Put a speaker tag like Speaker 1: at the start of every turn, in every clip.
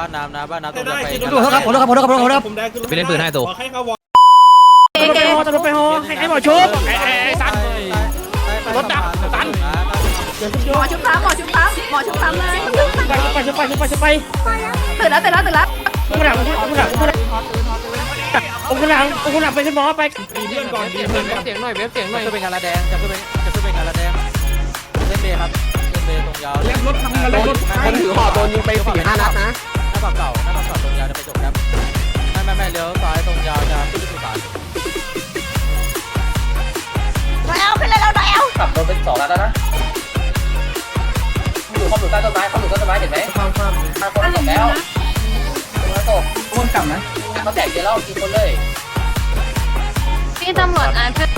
Speaker 1: บ้านน้ำนะบ้านน้ำตรงจะไป
Speaker 2: ดูครับผมครับ
Speaker 3: ไปเล่นปืนให้ตัว
Speaker 2: เก๋จะรถไปฮอให้หมอชุบไอ้สันรถดับสัน
Speaker 4: หมอชุบซ้ำเลย
Speaker 2: ไป
Speaker 4: ตื่นแล้ว
Speaker 2: คุณหลังไปขึ้นหมอไป
Speaker 1: เพื่อนก่อนเสียงหน่อยเว็บเสียงหน่อยจะเป็นงานระแดงจะเป็นงานระแดงเส้นเบย์ครับเส้นเบย์ตรงยาวเล่นรถทำอะไรรถ
Speaker 3: คนถือห่อโดนยิงไป4-5 นัดนะ
Speaker 1: หน้าปากเก่าตรงยาวจะไปจบครับไม่เลี้ยวซ้ายตรงยาวจะขึ้นสุสาน
Speaker 4: เอาขึ้นเลยเราได้เอา
Speaker 5: ขับโดนเป็น2แล้วนะอยู่ใต้ต้นไม้เห็นไหมข้ามคนตกแล้วตกคนกลับนะเขาแตกเยอะแล้วกินคนเลย
Speaker 4: พี่ตำรวจเพื่อน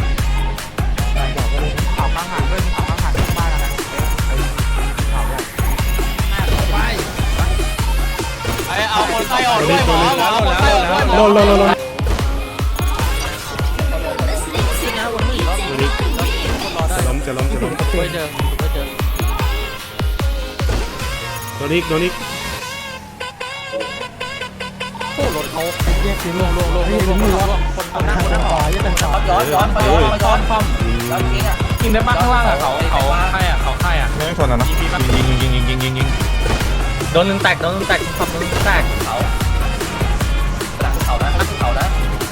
Speaker 3: ข่าวข้างหางด้วยข่าวข้างหางบ้านนะข่าวใหญ่
Speaker 1: เอาคนไข้ออกด้วยหมอคนไข้ออกด้วยหมอ
Speaker 2: ลงจะล้ม
Speaker 1: ช่วยเจอ
Speaker 2: โดนอีก
Speaker 1: โอ้รถเขาแยกทีลงคนนั่งต่อยังเป็นต่อ
Speaker 5: ย้อนแล้วจริงอ่ะ
Speaker 3: ยิงได้มากข้างล่างอ่ะเขาใครอ่ะ
Speaker 2: ไม่ชนนะยิง
Speaker 3: โดนหนึ่งแตกขับหนึ่งแตก
Speaker 5: เขานะ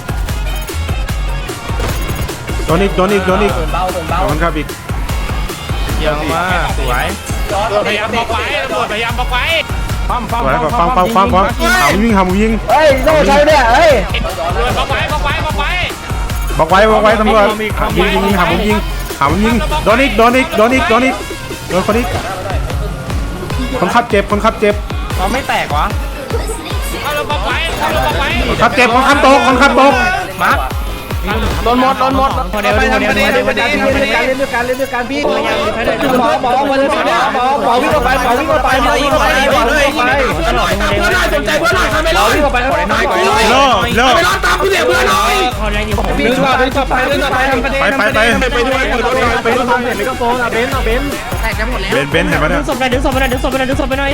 Speaker 2: โดนอีก
Speaker 5: เบา
Speaker 2: มันครับอีก
Speaker 3: เยี่ยมมากสวยพยายามบอกไว้ตำรวจพยายามบอกไว้
Speaker 2: ฟังหายิง
Speaker 3: เฮ้ยต้องใช้เนี่ยเฮ้ยบอกไว้ตำรวจ
Speaker 2: หายิงโดนอีกโดนคนอีกคนขับเจ็บ
Speaker 3: เราไม่แตกวะเราบอกไว้
Speaker 2: คนขับเจ็บคนขับตก
Speaker 3: มาโดนหมดพอเดี๋ยวเล่นด้วยกันพี่หมอวิ่งเข้าไปสนใจเพื่อนหน่อยทำไมล่ะวิ่งเข้าไป
Speaker 2: โล
Speaker 3: ตามพี่เด็กเพื่อนหน่อยดึงไปทำประเด็นไปด้วยไม่ก็โฟนเบนแตกจะหมดแล้ว
Speaker 2: เบนเห็นไหมเนี่ย
Speaker 3: ดึงศพหน่อยดึงศพไปหน่อย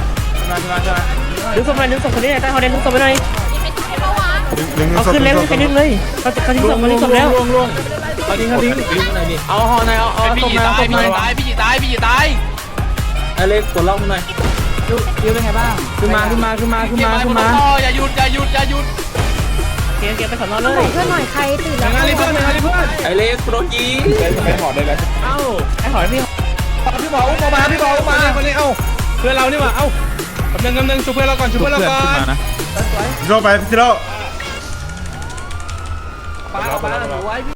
Speaker 3: คนนี้ใต้ฮอเดนดึงศพไปหน่อยเอาขึ้นแล้วไปดึงเลยเขาทิ้งศพแล้วเขาทิ้งเอาห่อหน่อยเอาศพหน่อย
Speaker 1: พี่ตาย
Speaker 3: ไอเล็กกดล็อกหน่อยยืดเป็นไงบ้างขึ้นมา
Speaker 1: อย่าหยุด
Speaker 3: เกียร์ไปสอนเลย
Speaker 4: เพื่อนหน่อยใครตื่นแล้ว
Speaker 3: เพื่อนไอเล็กโปรจีไปหอดเลยกันเอ้าไอหอดพี่บอกมาคนนี้เอ้าเพื่อนเรานี่มาเอ้ากำลังช่วยเพื่อนเราก่อน
Speaker 2: โรไปพี่โร